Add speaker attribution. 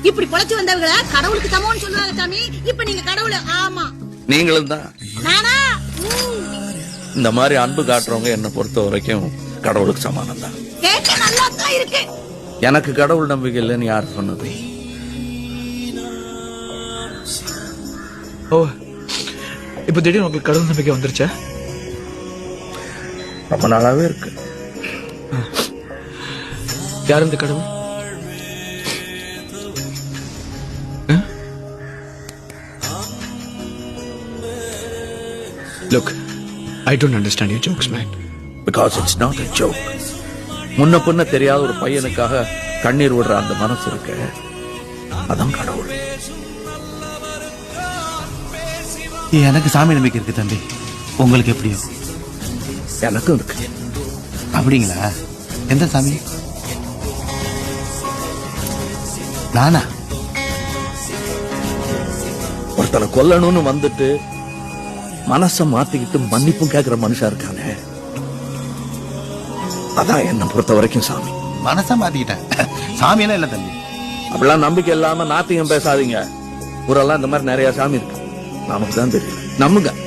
Speaker 1: இப்படி பொழைச்சு வந்தவங்கள கடவுளுக்கு சமம்னு சொல்லுவாங்க சாமி. இப்ப நீங்க கடவுள். ஆமா,
Speaker 2: நீங்களும் தான்.
Speaker 1: நானா?
Speaker 2: இந்த மாதிரி அன்பு காட்டுறவங்க என்ன பொறுத்த வரைக்கும் கடவுளுக்கு சமானம் தான்.
Speaker 1: கேட்க நல்லா தான் இருக்கு.
Speaker 2: எனக்கு கடவுள் நம்பிக்கை இல்லைன்னு யார் சொன்னது?
Speaker 3: ஓ, இப்ப திடீர்னு உங்களுக்கு கடவுள் நம்பிக்கை வந்துருச்சா?
Speaker 2: ரொம்ப நாளாவே இருக்கு.
Speaker 3: யார் இந்த கடவுள்? Look, I don't understand your jokes, man.
Speaker 2: Because it's not a joke. முன்ன பின்ன தெரியாத ஒரு பையனுக்காக கண்ணீர் விடுற அந்த மனசு இருக்கு, அதான் கடவுள்.
Speaker 4: எனக்கு சாமி நம்பிக்கை இருக்கு தம்பி. உங்களுக்கு எப்படியோ?
Speaker 2: எனக்கும் இருக்கு.
Speaker 4: அப்படிங்களா? எந்த சாமி? நானா?
Speaker 2: ஒருத்தனை கொல்லணும்னு வந்துட்டு மனச மாத்திக்கிட்டு மன்னிப்பும் கேட்கிற மனுஷா இருக்கானே, அதான் என்ன பொறுத்த வரைக்கும் சாமி.
Speaker 4: மனசா மாத்திக்கிட்டேன், சாமியெல்லாம் இல்ல தம்பி.
Speaker 2: அப்படிலாம் நம்பிக்கை இல்லாம நாத்திகம் பேசாதீங்க. ஊரெல்லாம் இந்த மாதிரி நிறைய சாமி இருக்கு, நமக்கு தான் தெரியும். நம்புங்க.